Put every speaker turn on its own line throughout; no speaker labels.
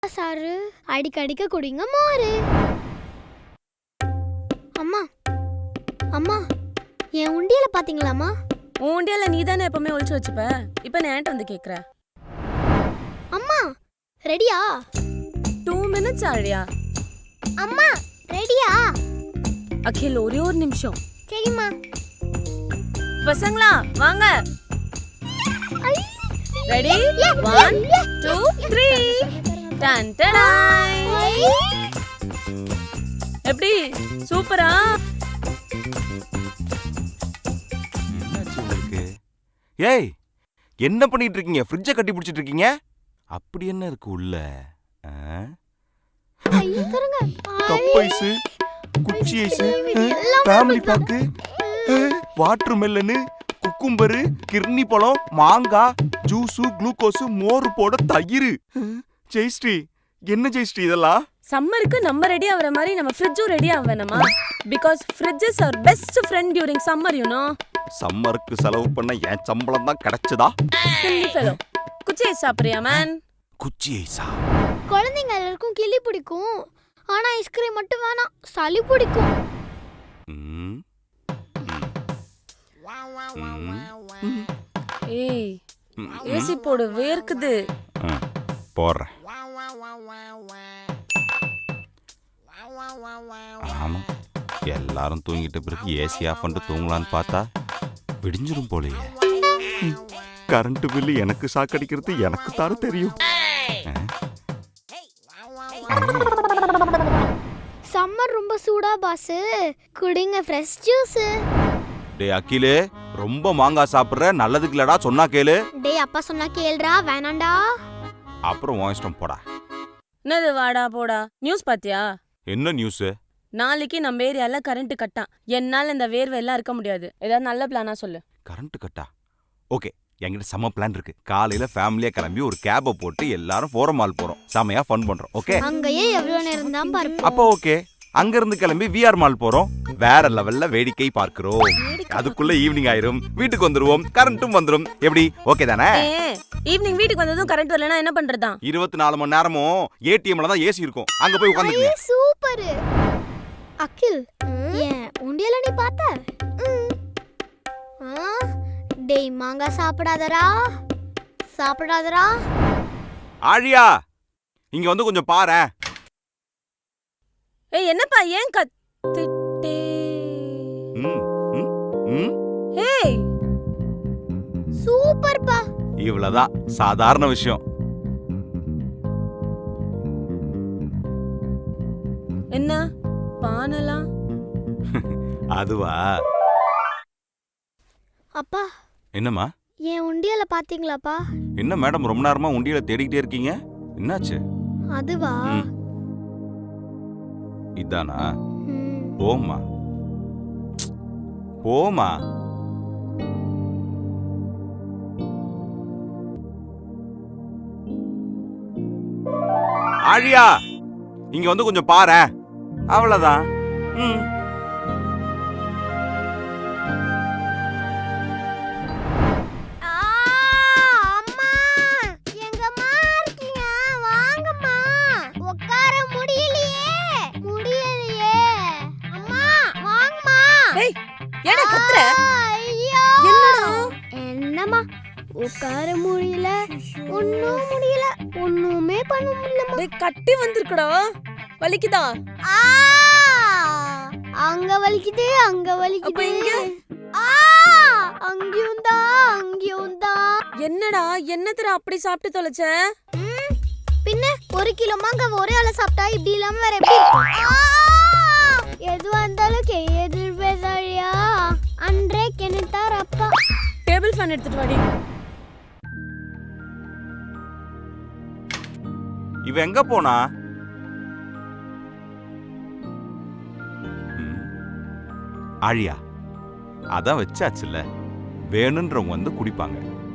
Sir அடிக்கடிக்க குடிங்க மோரு. அம்மா அம்மா என் உண்டியல பாத்தீங்களாமா?
உன் உண்டியல நீ தானே எப்பவுமே ஒளிச்சு வச்சுப்ப. இப்ப நான் என்கிட்ட வந்து கேக்குற.
அம்மா ரெடியா?
2 minutes ஆழியா?
அம்மா ரெடியா?
அகில் ஒரே ஒரு நிமிஷம்.
சரிம்மா.
பசங்களா வாங்க. ரெடி? 1 2 3 டன் டடாய். எப்படி சூப்பரா?
ஏய் என்ன பண்ணிட்டு இருக்கீங்க? ஃப்ரிட்ஜை கட்டி பிடிச்சிட்டு இருக்கீங்க? அப்படி என்ன இருக்கு உள்ள? கப் ஐஸ், குச்சி ice, family pack, watermelon, cucumber, கிர்னி பழம், மாங்காய், ஜூஸு, குளுக்கோஸ், மோர் போட தயிர். ஜெயஸ்ரீ என்ன ஜெயஸ்ரீ இதெல்லாம்?
சம்மருக்கு நம்ம ரெடி ஆவற மாதிரி நம்ம ஃப்ரிட்ஜும் ரெடி ஆவணுமா? because fridge is our best friend during summer, you know.
சம்மருக்கு செலவு பண்ண என் சம்பளம் தான் கிடைச்சதா?
silly fellow. குச்சி ஐஸ் சாப்பிடுறியா மேன்?
குச்சி ஐஸா?
குழந்தைங்க எல்லாருக்கும் கிளி பிடிக்கும். ஆனா ஐஸ்கிரீம் மட்டும் வேணாம், சளி பிடிக்கும்.
ஏய் ஏசி போடு, வேர்க்குது.
போறேன். ஆமா எல்லாரும் தூங்கிட்ட பிறகு ஏசி ஆஃப் பண்ணிட்டு தூங்கலான்னு பார்த்தா விடிஞ்சிரும் போலயே. கரண்ட் பில்லு எனக்கு சாக்கடிக்கிறது எனக்கு தானே தெரியும்.
சம்மர் ரொம்ப சூடா பாஸ், குடிங்க ஃப்ரெஷ் ஜூஸ்.
டேய் அகிலே, ரொம்ப மாங்காய் சாப்பிடுற, நல்லதுக்கு இல்லடா, சொன்னா கேளு.
டேய் அப்பா சொன்னா கேளுடா, வேணாண்டா.
அப்புறம் உன் இஷ்டம் போடா.
என்னது வாடா போடா? நியூஸ் பாத்தியா?
என்ன நியூஸ்?
நாளைக்கு நம்ம ஏரியால கரண்ட் கட்டா. என்னால இந்த வேர்வை எல்லாம் இருக்க முடியாது. ஏதாவது நல்ல பிளானா சொல்லு.
கரண்ட் கட்டா? ஓகே, என்கிட்ட செம்ம பிளான் இருக்கு. காலையில ஃபேமிலியா கிளம்பி ஒரு கேப போட்டு எல்லாரும் ஃபோரம் மால் போறோம். செமையா ஃபன் பண்றோம். ஓகே?
அங்கேயே எவ்வளவு நேரம் தான் பார்ப்போம்.
அப்போ ஓகே. அங்க இருந்து கிளம்பி விஆர் மால் போறோம். வேற லெவல்ல வேடிக்கை பார்க்கிறோம். அதுக்குள்ள ஈவினிங் ஆயிரும், வீட்டுக்கு வந்துருவோம், கரண்ட்டும் வந்துரும். எப்படி ஓகே தானே?
ஈவினிங் வீட்டுக்கு வந்ததும் கரண்ட் வரலனா என்ன பண்றதா?
24 மணி நேரமும் ஏடிஎம்ல தான் ஏசி இருக்கும். அங்க போய் உட்கார்ந்துங்க.
சூப்பர். அகில், ஏன் உண்டியல நீ பாத்த? டேய் மாங்காய் சாப்பிடாதடா, சாப்பிடாதடா.
ஆழியா, இங்க வந்து கொஞ்சம் பாரேன்.
ஏய் என்னப்பா ஏன் கத்திட்டே? ஏய்
சூப்பர்ப்பா.
இவ்வளவுதான், சாதாரண விஷயம்.
என்ன பானலாம்?
அதுவா?
அப்பா
என்னம்மா?
என் உண்டியல பாத்தீங்களாப்பா?
என்ன மேடம் ரொம்ப நேரமா உண்டியல தேடிக்கிட்டே இருக்கீங்க? என்னாச்சு?
அதுவா?
இதானா? போமா போமா. ஆழியா, இங்க வந்து கொஞ்சம் பாரேன். அவ்வளவுதான்.
உட்கார முடியல, ஒண்ணும் முடியல, ஒண்ணுமே பண்ண முடியல.
டேய் கட்டி வந்திருக்கடா, வலிக்குதா?
அங்க வலிக்குது, அங்க வலிக்குது.
அப்ப இங்க?
அங்கேயும் தான், அங்கேயும் தான்.
என்னடா என்னத்தடா அப்படி சாப்பிட்டு தொலைச்ச?
பின்ன 1 கிலோ மாங்காய் ஒரே ஆள சாப்பிட்டா இப்படி இல்லாம வேற எப்படி இருக்கும்? எது வந்தாலும் எதிர்பேசாழியா அன்றே கெனித்தார் அப்பா.
டேபிள் ஃபேன் எடுத்துட்டு வாடி.
இவ எங்க போனா? ஆழியா, அதான் வச்சாச்சுல்ல, வேணுன்றவங்க வந்து குடிப்பாங்க.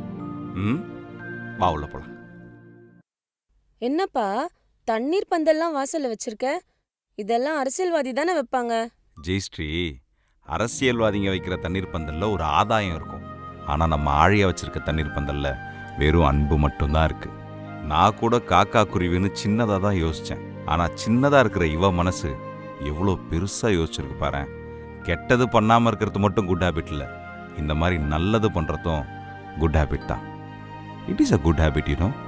வா உள்ள போலாம்.
என்னப்பா தண்ணீர் பந்தல்லாம் வாசல்ல வச்சிருக்க? இதெல்லாம் அரசியல்வாதி தானே வைப்பாங்க.
ஜெயஸ்ரீ, அரசியல்வாதிங்க வைக்கிற தண்ணீர் பந்தல்ல ஒரு ஆதாயம் இருக்கும். ஆனா நம்ம ஆழியா வச்சிருக்க தண்ணீர் பந்தல்ல வெறும் அன்பு மட்டும்தான் இருக்கு. நான் கூட காக்கா குருவின்னு சின்னதாக தான் யோசித்தேன். ஆனால் சின்னதாக இருக்கிற இவ மனசு எவ்வளோ பெருசாக யோசிச்சிருக்கு பாரு. கெட்டது பண்ணாமல் இருக்கிறது மட்டும் குட் ஹேபிட் இல்லை, இந்த மாதிரி நல்லது பண்ணுறதும் குட் ஹேபிட் தான். It is a good habit, you no.